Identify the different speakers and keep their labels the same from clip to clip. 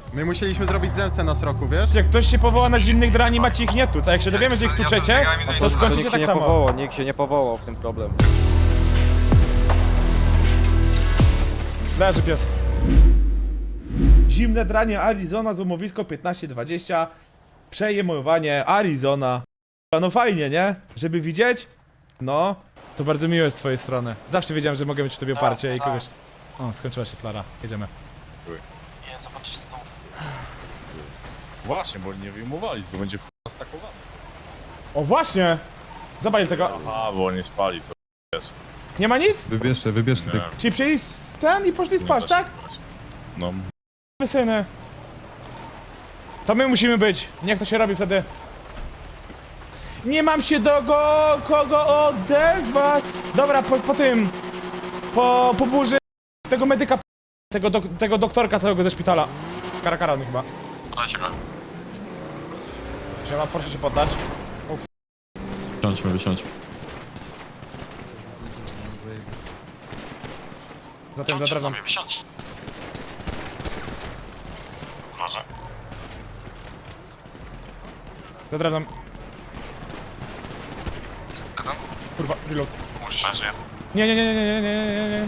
Speaker 1: My musieliśmy zrobić zemstę na sroku, wiesz?
Speaker 2: Jak ktoś się powoła na zimnych drani, macie ich nie tuc, a jak się dowiemy, że ich tuczecie, to skończycie tak samo.
Speaker 3: Nikt się nie powołał w tym problem.
Speaker 2: Leży pies. Zimne dranie Arizona, złomowisko 15-20. Przejmowanie Arizona. No fajnie, nie? Żeby widzieć? No, to bardzo miłe z twojej strony. Zawsze wiedziałem, że mogę mieć w tobie oparcie i kogoś... O, skończyła się flara. Jedziemy.
Speaker 4: Nie, zobaczysz co.
Speaker 5: Właśnie, bo nie wyjmowali, to będzie stakowane.
Speaker 2: O, właśnie! Zabaj tego.
Speaker 5: Aha, bo nie spali, to jest.
Speaker 2: Nie ma nic?
Speaker 1: Wybierzcie
Speaker 5: Nie,
Speaker 2: Czyli przyjęli ten i poszli spać,
Speaker 5: nie da się
Speaker 2: tak?
Speaker 5: wybrać. No,
Speaker 2: Wysyny. To my musimy być. Niech to się robi wtedy. Nie mam się do kogo odezwać. Dobra, po tym. Po burzy tego medyka. Tego doktorka całego ze szpitala. Karakara on chyba.
Speaker 4: Ale się go.
Speaker 2: Siema, proszę się poddać.
Speaker 5: wysiądźmy.
Speaker 2: Za tym, za drewnem.
Speaker 4: Wysiądź. Może.
Speaker 2: Za drewnem. Kurwa, reload.
Speaker 4: Musisz. Leży.
Speaker 2: Nie.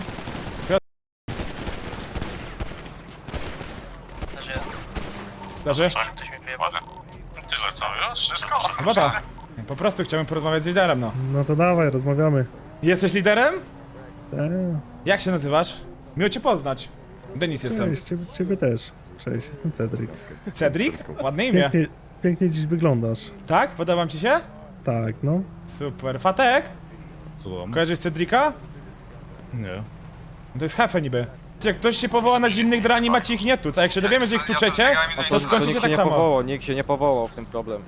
Speaker 2: Leży?
Speaker 4: Ktoś mi wyjebał. Tyle co, już? Wszystko?
Speaker 2: Chyba tak. Po prostu chciałem porozmawiać z liderem, no.
Speaker 6: No to dawaj, rozmawiamy.
Speaker 2: Jesteś liderem?
Speaker 6: Eee,
Speaker 2: Jak się nazywasz? Miło cię poznać. Denis jestem.
Speaker 6: cześć, ciebie też. Cześć, jestem Cedric.
Speaker 2: Cedric? Ładne imię.
Speaker 6: Pięknie dziś wyglądasz.
Speaker 2: Tak? Podoba ci się?
Speaker 6: Tak, no.
Speaker 2: Super. Fatek?
Speaker 5: Co tam?
Speaker 2: Kojarzysz Cedrika?
Speaker 5: Nie.
Speaker 2: To jest hefe niby. Jak ktoś się powoła na zimnych drani, macie ich nie tuc, a jak się dowiemy, że ich tuczecie, to skończycie
Speaker 3: Nikt
Speaker 2: tak
Speaker 3: się nie
Speaker 2: samo.
Speaker 3: powołał, nikt się nie powołał w tym problem.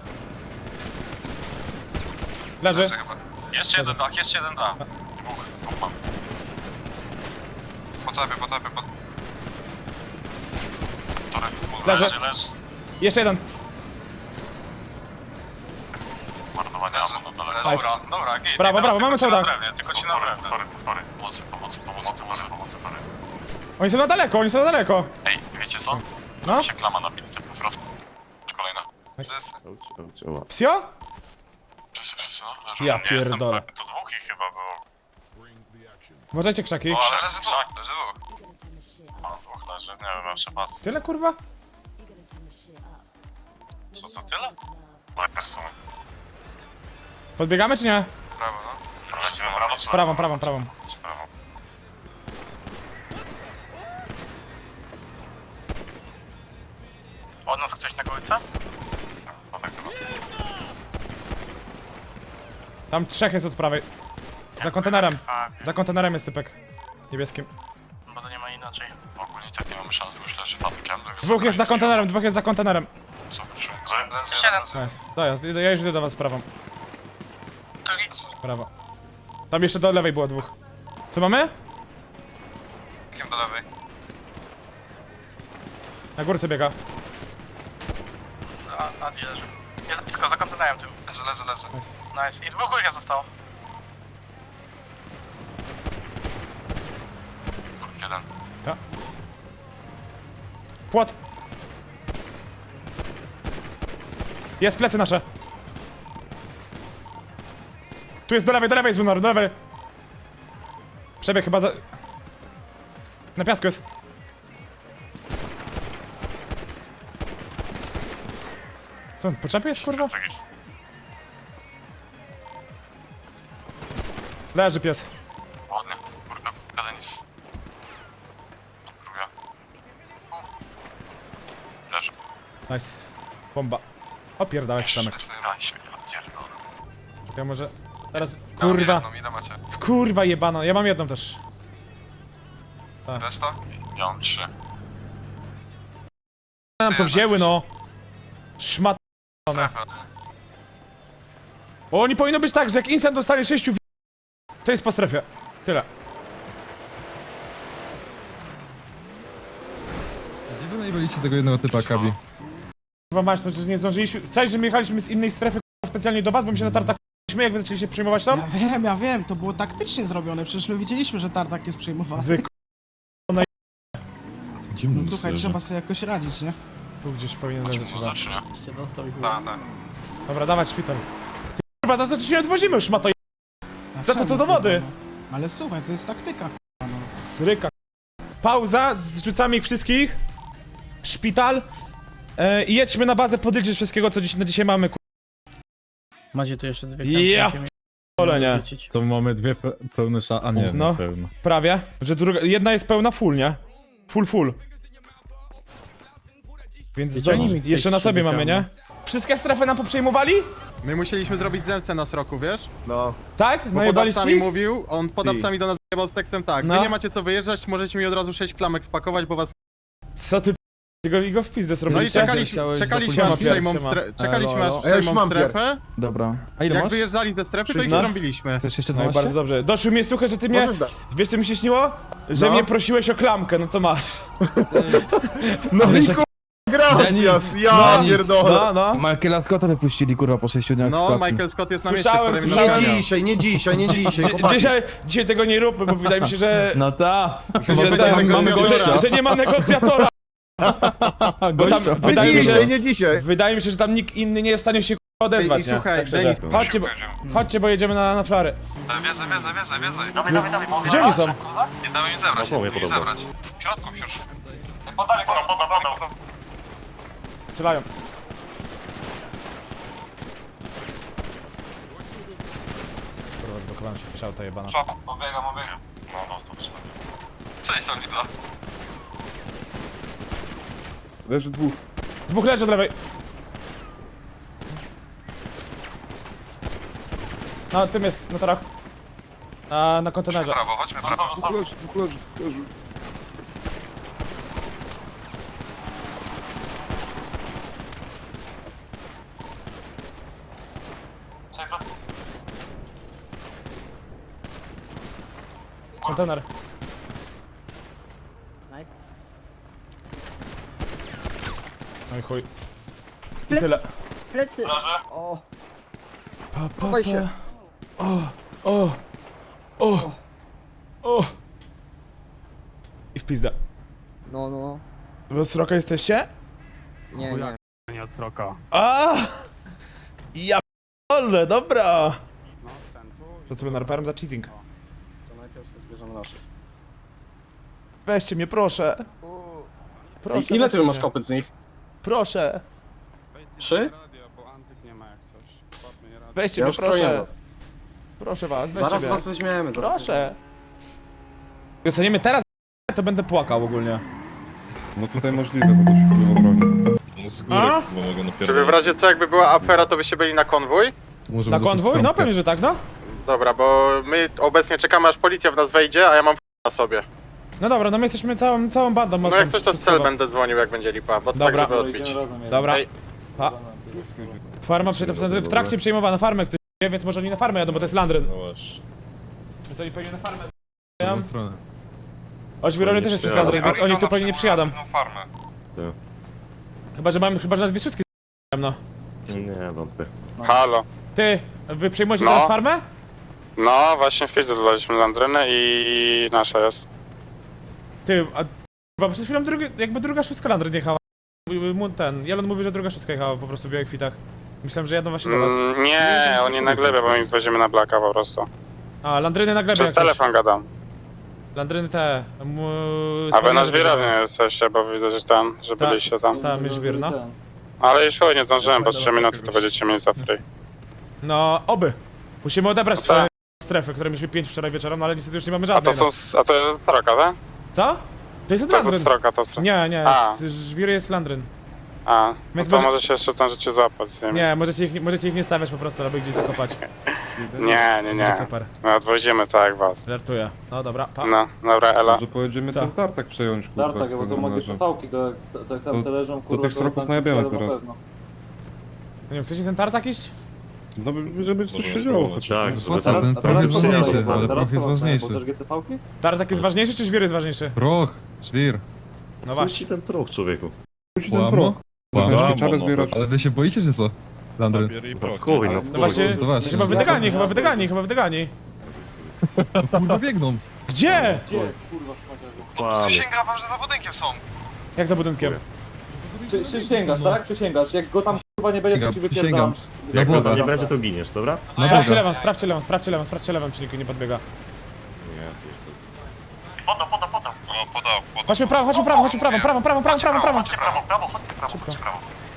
Speaker 2: Leży.
Speaker 4: Jeszcze jeden dach, jeszcze jeden dach. Dwóch mam. Po tobie.
Speaker 2: Leży.
Speaker 4: Leży.
Speaker 2: Jeszcze jeden.
Speaker 4: Marnowanie ammo na dole.
Speaker 2: Nice.
Speaker 4: Dobra, git.
Speaker 2: Brawo, mamy cały dach.
Speaker 4: Tylko ci na drewnie. Pomocy, sorry.
Speaker 2: Oni są na daleko.
Speaker 4: Ej, wiecie co?
Speaker 2: No?
Speaker 4: Mi się klama na bitce po prostu. Kolejna.
Speaker 2: Psio?
Speaker 4: Wszyscy, no. Leżą.
Speaker 2: Ja
Speaker 4: Nie jestem
Speaker 2: pierdolę.
Speaker 4: pewny, to dwóch ich chyba było.
Speaker 2: Uważajcie krzaki.
Speaker 4: O, ale leży dwóch. O, dwóch leży, nie wiem, mam przepadł.
Speaker 2: Tyle kurwa?
Speaker 4: Co, to tyle? Tak, w sumie.
Speaker 2: Podbiegamy czy nie?
Speaker 4: Prawo, no. Lecimy prawo, czy
Speaker 2: Prawą.
Speaker 4: prawo? Od nas ktoś na kołyce? No tak chyba.
Speaker 2: Tam trzech jest od prawej. Za kontenerem jest typek. Niebieskim.
Speaker 4: Bo to nie ma inaczej. Ogólnie tak nie mamy szans, myślę, że fatkiem.
Speaker 2: Dwóch jest za kontenerem.
Speaker 4: Jeden.
Speaker 2: Nice. Dojazd, ja już idę do was prawą.
Speaker 4: Drugi.
Speaker 2: Prawo. Tam jeszcze do lewej było dwóch. Co mamy?
Speaker 4: Kim do lewej?
Speaker 2: Na górce biega.
Speaker 4: A gdzie leży? Jest blisko, za kontenerem tym. Leży.
Speaker 2: Nice.
Speaker 4: Nice. I dwóch górka zostało. Jeden.
Speaker 2: Ja. Płot. Jest plecy nasze. Tu jest do lewej jest Lunar, do lewej. Przebieg chyba za... Na piasku jest. Co on, po czapie jest kurwa? Leży pies.
Speaker 4: Ładnie. Kurde, Denis. Druga. Leży.
Speaker 2: Nice. Bomba. Opierdałeś stamek. Ja może... Teraz... Kurwa.
Speaker 4: Ile macie?
Speaker 2: W kurwa jebano. Ja mam jedną też.
Speaker 4: Reszta? Ja mam 3.
Speaker 2: Nam to wzięły no. Szmat... O, nie powinno być tak, że jak instant dostanie 6 to jest po strefie. Tyle.
Speaker 1: Gdzie wy najwolicie tego jednego typa, Kabi?
Speaker 2: Kurwa mać, no przecież nie zdążyliśmy... Cześć, że my jechaliśmy z innej strefy specjalnie do was, bo my się na tartak jak wy zaczęliście przyjmować tam?
Speaker 7: Ja wiem, to było taktycznie zrobione, przecież my wiedzieliśmy, że tartak jest przejmowany.
Speaker 2: Wy
Speaker 7: No słuchaj, trzeba sobie jakoś radzić, nie?
Speaker 2: Tu gdzieś powinien leżeć chyba.
Speaker 4: Muzycznie. Tak, tak.
Speaker 2: Dobra, dawać szpital. Ty kurwa, to ci nie odwozimy już, ma to to do wody.
Speaker 7: Ale słuchaj, to jest taktyka.
Speaker 2: Sryka. Pauza, zrzucamy ich wszystkich. Szpital. I jedźmy na bazę podliczyć wszystkiego, co na dzisiaj mamy,
Speaker 8: Macie tu jeszcze dwie
Speaker 2: Ja
Speaker 8: kampy,
Speaker 2: p***ole, nie.
Speaker 8: wrócić.
Speaker 5: To mamy dwie pełne a nie,
Speaker 2: No.
Speaker 5: pełne.
Speaker 2: Prawie. Że jedna jest pełna full, nie? Full. Więc
Speaker 8: Wiecie, oni mi tutaj
Speaker 2: jeszcze na sobie
Speaker 8: przybiegamy.
Speaker 2: mamy, nie? Wszystkie strefy nam poprzejmowali?
Speaker 1: My musieliśmy zrobić zemstę na sroku, wiesz? No.
Speaker 2: Tak?
Speaker 1: Bo
Speaker 2: Najebaliście
Speaker 1: podawcami
Speaker 2: ich?
Speaker 1: mówił, on podawcami do nas jebał z tekstem tak.
Speaker 2: No.
Speaker 1: Wy nie macie co wyjeżdżać, możecie mi od razu 6 klamek spakować, bo was...
Speaker 2: Co ty go w pizdę
Speaker 1: No i
Speaker 2: zrobiliście?
Speaker 1: czekaliśmy aż przejmą strefę.
Speaker 9: Dobra. A ile
Speaker 1: Jak
Speaker 9: masz?
Speaker 1: wyjeżdżali ze strefy, to ich
Speaker 2: No.
Speaker 1: zrobiliśmy.
Speaker 9: Chcesz jeszcze
Speaker 2: No i
Speaker 9: 12?
Speaker 2: bardzo dobrze. Doszły mnie słuchaj, że ty mnie... Wiesz co mi się śniło? Że
Speaker 1: No.
Speaker 2: mnie prosiłeś o klamkę, no to masz.
Speaker 9: No Niko,
Speaker 1: Gracias,
Speaker 9: ja
Speaker 1: pierdolę.
Speaker 2: No.
Speaker 9: Michaela Scotta wypuścili kurwa po 6 dniach z
Speaker 1: No,
Speaker 9: klatki.
Speaker 1: Michael Scott jest na mieście,
Speaker 2: Słyszałem,
Speaker 1: który mi
Speaker 2: słyszałem.
Speaker 1: nagrał.
Speaker 9: nie dzisiaj,
Speaker 2: Dzisiaj tego nie róbmy, bo wydaje mi się, że...
Speaker 9: No ta.
Speaker 1: Że
Speaker 2: że,
Speaker 1: będzie negocjatora.
Speaker 2: że nie ma negocjatora. Bo tam, wydaje mi się, że tam nikt inny nie jest w stanie się odezwać,
Speaker 1: I
Speaker 2: nie?
Speaker 1: słuchaj,
Speaker 2: Tak szczerze.
Speaker 1: Denis,
Speaker 2: Chodźcie, bo jedziemy na flary.
Speaker 4: Wiedzę.
Speaker 2: Gdzie oni są?
Speaker 4: Nie damy im zebrać, nie damy im zebrać. W środku już. Podam.
Speaker 2: Strzelają. Kurwa, zblokowałem się, szauta jebana.
Speaker 4: Szapa, obiegam. No, dobrze. Cześć, Sanita.
Speaker 9: Leży dwóch.
Speaker 2: Dwóch leży od lewej. No, tym jest, na torach. Na kontenerze.
Speaker 4: Prawo, chodźmy prawo.
Speaker 2: Kontener. No i chuj. I tyle.
Speaker 8: Plecy!
Speaker 2: Chowaj się. O. I w pizdę.
Speaker 8: No.
Speaker 2: Wy z Roka jesteście?
Speaker 8: Nie.
Speaker 2: A! Ja p***ole, dobra! To sobie narparem za cheating.
Speaker 3: To najpierw się zbierzemy naszych.
Speaker 2: Weźcie mnie, proszę. Proszę.
Speaker 3: Ile
Speaker 2: weźcie
Speaker 3: ty masz
Speaker 2: mnie.
Speaker 3: kopyt z nich?
Speaker 2: Proszę.
Speaker 3: 3?
Speaker 2: Weźcie
Speaker 3: Ja
Speaker 2: mnie,
Speaker 3: już kroję.
Speaker 2: proszę. Proszę was, weźcie
Speaker 3: Zaraz
Speaker 2: mnie.
Speaker 3: was weźmiemy.
Speaker 2: Proszę. Dostaniemy teraz, to będę płakał ogólnie.
Speaker 9: No tutaj możliwe, bo dość było broni.
Speaker 5: Z góry,
Speaker 2: A?
Speaker 5: bo mogę napierdolić.
Speaker 1: Żeby w razie co, jakby była afera, to byście byli na konwój?
Speaker 2: Na konwój? No pewnie, że tak, no.
Speaker 1: Dobra, bo my obecnie czekamy, aż policja w nas wejdzie, a ja mam na sobie.
Speaker 2: No dobra, no my jesteśmy całą bandą
Speaker 1: No
Speaker 2: mocną.
Speaker 1: jak coś, to w
Speaker 2: wszystkiego.
Speaker 1: cel będę dzwonił, jak będzie lipa, bo
Speaker 2: Dobra.
Speaker 1: tak, żeby odbić.
Speaker 2: Dobra.
Speaker 1: Ej.
Speaker 2: Pa. Farma w trakcie przejmowana, farmę ktoś wie, więc może oni na farmę jadą, bo to jest Landryn.
Speaker 5: No właśnie.
Speaker 2: Więc oni pewnie na farmę
Speaker 1: drugą stronę.
Speaker 2: Oświrownie też jest przez Landryn, więc oni tu pewnie nie przyjadą.
Speaker 4: Farmę.
Speaker 2: Chyba, że na Wiszuckiej no.
Speaker 10: Nie, wątpię.
Speaker 1: Halo.
Speaker 2: Ty, wy przejmujecie
Speaker 1: No.
Speaker 2: teraz farmę?
Speaker 1: No, właśnie w pizdu dodaliśmy Landrynę i nasza jest.
Speaker 2: Ty, a chyba przed chwilą jakby druga szóstka Landryn jechała. Jelon mówi, że druga szóstka jechała po prostu w białych kwitach. Myślałem, że jadą właśnie do was.
Speaker 1: Nie, oni na glebie, bo my ich zwozimy na blaka po prostu.
Speaker 2: A, Landryny na glebie
Speaker 1: Przez
Speaker 2: jak coś.
Speaker 1: telefon gadam.
Speaker 2: Landryny te...
Speaker 1: A wy na żwirownie jesteście, bo widzę, że że
Speaker 2: Tak.
Speaker 1: byliście tam.
Speaker 2: Tam jest żwir, no.
Speaker 1: Ale już chuj, nie zdążyłem, bo 3 minuty to będziecie mieli za free.
Speaker 2: No, oby. Musimy odebrać
Speaker 1: No
Speaker 2: swoje
Speaker 1: tak.
Speaker 2: strefy, które mieliśmy 5 wczoraj wieczorem, no ale niestety już nie mamy
Speaker 1: A to
Speaker 2: żadnej.
Speaker 1: są, a to jest stroka, tak?
Speaker 2: Co? To jest od
Speaker 1: To jest
Speaker 2: Landryn.
Speaker 1: stroka, to stroka.
Speaker 2: Nie,
Speaker 1: A.
Speaker 2: żwir jest Landryn.
Speaker 1: A, no
Speaker 2: Więc
Speaker 1: to
Speaker 2: może-
Speaker 1: może się jeszcze zdążycie złapać z nimi.
Speaker 2: Nie, możecie ich nie stawiać po prostu, albo ich gdzieś zakopać.
Speaker 1: Nie,
Speaker 2: Będzie super.
Speaker 1: My odwozimy tak jak was.
Speaker 2: Żartuję. No dobra, pa.
Speaker 1: No, dobra, Ela.
Speaker 9: Może pojedziemy
Speaker 2: Co?
Speaker 9: ten tartak przejąć, kurwa.
Speaker 10: Tartak, bo to mogę cofałki, to jak tam te leżą, kurwa,
Speaker 9: tych
Speaker 10: to
Speaker 9: sroków
Speaker 10: tam
Speaker 9: najebiemy
Speaker 10: przyjadą na
Speaker 9: teraz.
Speaker 10: pewno.
Speaker 2: Nie wiem, chcecie ten tartak iść?
Speaker 9: No żeby coś
Speaker 5: Możemy
Speaker 9: się działo.
Speaker 5: spróbować.
Speaker 10: Tak,
Speaker 1: Po co? Ten
Speaker 10: a
Speaker 1: proch jest
Speaker 10: teraz
Speaker 1: ważniejszy,
Speaker 10: teraz
Speaker 1: ale
Speaker 10: teraz
Speaker 1: proch jest
Speaker 10: teraz
Speaker 1: ważniejszy.
Speaker 10: Bo też GC-pałki?
Speaker 2: Tartak jest ważniejszy, czy żwir jest ważniejszy?
Speaker 1: Proch, żwir.
Speaker 2: No właśnie.
Speaker 10: ten proch, człowieku.
Speaker 9: Musi ten pro.
Speaker 1: Łamo?
Speaker 9: Będziesz czarę zbierać.
Speaker 1: Ale wy się boicie, czy co? Landryn.
Speaker 5: Papier i proch.
Speaker 10: Chuj,
Speaker 5: nie?
Speaker 10: no
Speaker 2: No właśnie,
Speaker 1: To właśnie.
Speaker 2: chyba wydygani.
Speaker 1: Kurwa biegną.
Speaker 2: Gdzie?
Speaker 10: Kurwa, szmaciarzu.
Speaker 4: Przysięgam wam, że za budynkiem są.
Speaker 2: Jak za budynkiem?
Speaker 10: Przysięgasz, tak? Przysięgasz. Jak go tam kurwa nie będzie, to ci wypierdalam.
Speaker 9: Jak
Speaker 10: go
Speaker 9: nie
Speaker 10: będzie, to giniesz, dobra?
Speaker 2: Sprawdźcie lewą, sprawdźcie lewą, sprawdźcie lewą, sprawdźcie lewą, czy nikt nie podbiega.
Speaker 4: Podał. O, podał.
Speaker 2: Chodźmy prawo, chodźmy prawo, chodźmy prawo, prawo.
Speaker 4: Chodźcie prawo, chodźcie prawo.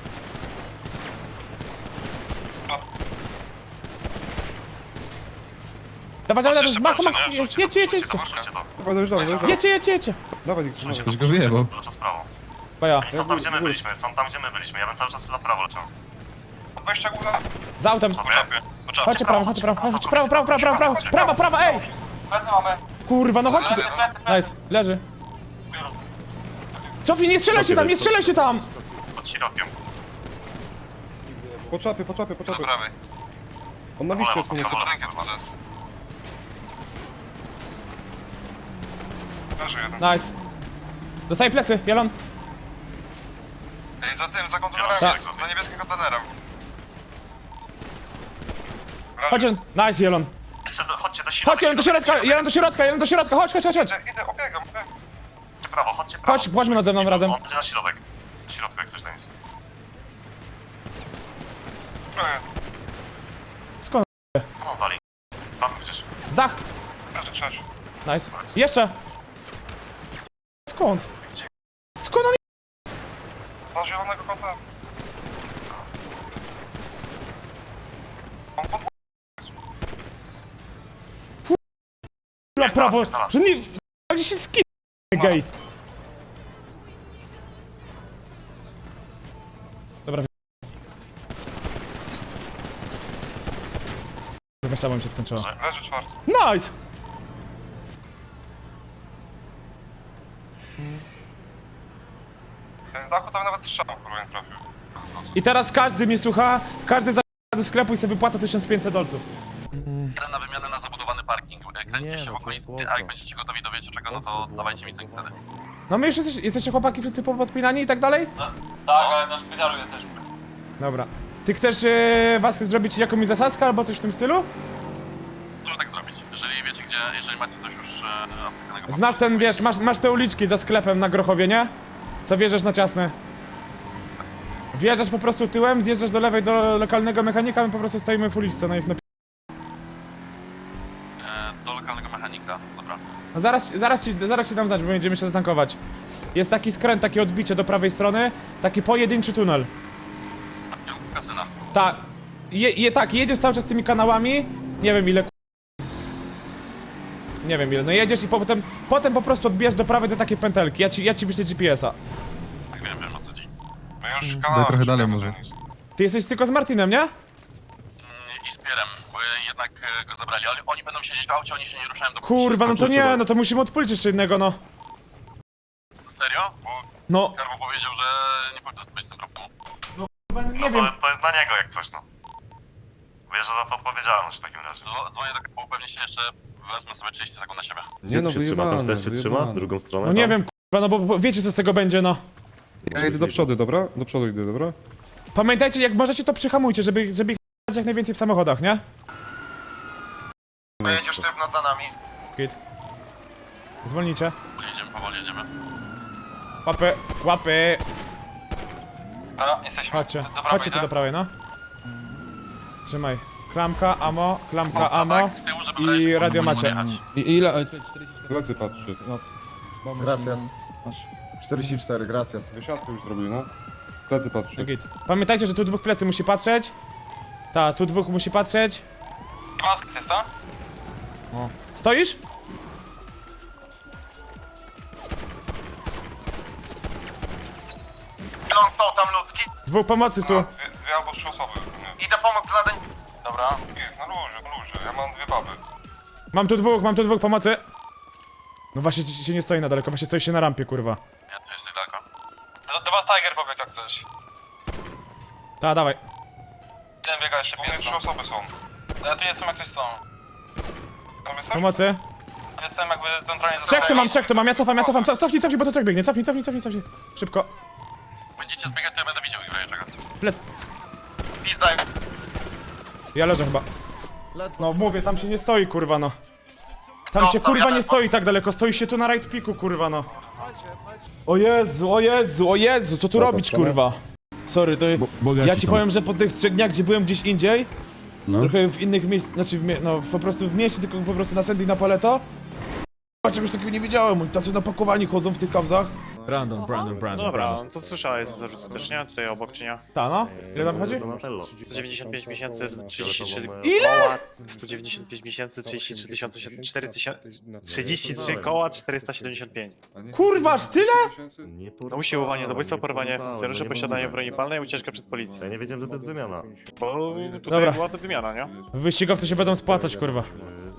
Speaker 2: Dawaj, masa, jedźcie. Jedźcie.
Speaker 9: Dawaj, niech
Speaker 5: Coś go wyjebał.
Speaker 4: Cały czas prawo.
Speaker 2: Baja,
Speaker 4: Są tam, gdzie my byliśmy, ja bym cały czas na prawo leciał. Wejścia góra.
Speaker 2: za autem. Chodźcie prawo, prawo, ej! Kurwa, no chodźcie tu. Nice, leży. Cofnij, nie strzelajcie tam!
Speaker 4: Pod środkiem.
Speaker 9: Po czapie.
Speaker 4: Do prawej.
Speaker 9: On na liście jest,
Speaker 4: Po
Speaker 9: nie
Speaker 4: lewo, rękę chyba jest. Leży jeden.
Speaker 2: Nice. Dostaję plecy, Jelon.
Speaker 4: Ej, za kontenerem,
Speaker 2: Tak.
Speaker 4: za niebieskim kontenerem.
Speaker 2: Chodźcie, nice, Jelon.
Speaker 4: Chodźcie do środka.
Speaker 2: Chodź, Jelon do środka, chodź.
Speaker 4: Idę, obiegam. Chodźcie prawo.
Speaker 2: Chodźmy nad ze mną razem.
Speaker 4: On będzie na środek. Na środku jak coś tam jest.
Speaker 2: Skąd?
Speaker 4: No dali. Tam gdzieś.
Speaker 2: Z dach.
Speaker 4: Cześć.
Speaker 2: Nice. Jeszcze. Skąd on
Speaker 4: Do zielonego kota. On pod...
Speaker 2: na prawo? Że nie... Jak się skin... gej. Dobra. Weź, mi się skończyło.
Speaker 4: Leży czwarty.
Speaker 2: Nice!
Speaker 4: Ten z dachu tam nawet strzał, kurwa nie trafił.
Speaker 2: I teraz każdy mnie słucha, każdy za do sklepu i sobie wypłaca 1500 dolców.
Speaker 4: Jeden na wymianę na zabudowany parking. Kręćcie się w okolicy, a jak będziecie gotowi do wiecie czego, no to dawajcie mi cynk wtedy.
Speaker 2: No my już jesteście chłopaki wszyscy podpinani i tak dalej?
Speaker 4: Tak, ale na szpitalu jesteśmy.
Speaker 2: Dobra. Ty chcesz was zrobić jakąś zasadzkę albo coś w tym stylu?
Speaker 4: Możemy tak zrobić, jeżeli macie coś już aptekanego.
Speaker 2: Znasz ten, wiesz, masz te uliczki za sklepem na Grochowie, nie? Co wjeżdżasz na ciasne. Wjeżdżasz po prostu tyłem, zjeżdżasz do lewej do lokalnego mechanika, my po prostu stoimy w uliczce na ich
Speaker 4: Do lokalnego mechanika, dobra.
Speaker 2: No zaraz ci dam znać, bo będziemy się zatankować. Jest taki skręt, takie odbicie do prawej strony, taki pojedynczy tunel.
Speaker 4: W kierunku kasyna.
Speaker 2: Tak. Tak, jedziesz cały czas tymi kanałami, nie wiem ile nie wiem ile, no jedziesz i potem po prostu odbierz do prawej do takiej pętelki, ja ci wyślę GPS-a.
Speaker 4: Tak wiem o co chodzi. My już
Speaker 5: Daj trochę dalej może.
Speaker 2: Ty jesteś tylko z Martinem, nie?
Speaker 4: I z Pierem, bo jednak go zabrali, ale oni będą siedzieć w aucie, oni się nie ruszają do...
Speaker 2: Kurwa, no to nie, no to musimy odpalić jeszcze jednego, no.
Speaker 4: Serio? Bo
Speaker 2: No,
Speaker 4: Karbo powiedział, że nie powinno być z tym problemu.
Speaker 2: nie wiem.
Speaker 4: To jest dla niego jak coś, no. Bierze za to odpowiedzialność w takim razie. Dzwonię do Karbo, pewnie się jeszcze wezmę sobie 30 sekund na siebie.
Speaker 9: Nie no, wyjebane, wyjebane.
Speaker 10: Drugą stronę?
Speaker 2: No nie wiem, kurwa, no bo wiecie co z tego będzie, no.
Speaker 9: Ja idę do przodu, dobra? Do przodu idę, dobra?
Speaker 2: Pamiętajcie, jak możecie to przyhamujcie, żeby ich jak najwięcej w samochodach, nie?
Speaker 4: Pojedziesz sztywno za nami.
Speaker 2: Git. Zwolnijcie.
Speaker 4: Powoli jedziemy.
Speaker 2: Łapy.
Speaker 4: Dobra, jesteśmy.
Speaker 2: Chodźcie tu do prawej, no. Trzymaj. Klamka, ammo
Speaker 4: Z tyłu, żeby
Speaker 2: i
Speaker 4: wreszcie
Speaker 2: radio
Speaker 4: nie
Speaker 2: macie.
Speaker 4: jechać.
Speaker 5: Ile?
Speaker 9: Plecy patrzy.
Speaker 5: Gracias. 44, gracias.
Speaker 9: Wysiadkę już zrobili, no. Plecy patrzy.
Speaker 2: Git. Pamiętajcie, że tu dwóch plecy musi patrzeć. Ta, tu dwóch musi patrzeć.
Speaker 4: Mask jest to?
Speaker 2: Stoisz?
Speaker 4: Long stał tam ludzki.
Speaker 2: Dwóch pomocy tu.
Speaker 4: Dwie albo trzy osoby. Idę pomóc dla zadań. Dobra. Na luzie. Ja mam dwie baby.
Speaker 2: Mam tu dwóch pomocy. No właśnie się nie stoi na daleko, właśnie stoi się na rampie, kurwa.
Speaker 4: Ja tu jesteś daleko. Do was Tiger pobiegł jak coś.
Speaker 2: Ta, dawaj.
Speaker 4: Jeden biega jeszcze pies. Trzy osoby są. Ja tu jestem jak coś są. Tam jesteś?
Speaker 2: Pomocy.
Speaker 4: Jestem jakby centralnie
Speaker 2: Trzech tu mam, ja cofam. Cofnij, bo to trzech biegnie. Cofnij. Szybko.
Speaker 4: Będziecie zbiegać, to ja będę widział ich czego.
Speaker 2: Plec.
Speaker 4: Pizda.
Speaker 2: Ja leżę chyba. No mówię, tam się nie stoi, kurwa, no. Tam się kurwa nie stoi tak daleko, stoi się tu na right picku, kurwa, no. O Jezu, o Jezu, o Jezu, co tu robić, kurwa? Sorry, to ja ci powiem, że po tych 3 dniach, gdzie byłem gdzieś indziej, trochę w innych miejscach, znaczy no po prostu w mieście, tylko po prostu na Sandy i na Paleto, czegoś takiego nie widziałem, oni tacy napakowani chodzą w tych kamzach. Brandon.
Speaker 4: Dobra, to słyszałeś z zarzutu też, nie? Tutaj obok, czy nie?
Speaker 2: Ta no? Ile tam chodzi?
Speaker 4: 195 miesięcy, 33
Speaker 2: Ile?
Speaker 4: koła, 195 miesięcy, 33 tysiące, 33 koła, 475.
Speaker 2: Kurwa, aż tyle?
Speaker 4: No usiłowanie zabójstwa, porwanie funkcjonariuszy, posiadanie broni palnej, ucieczka przed policją. Ja nie wiedziałem, że to jest wymiana. Bo tutaj
Speaker 2: Dobra.
Speaker 4: była to wymiana, nie?
Speaker 2: Wyścigowcy się będą spłacać, kurwa.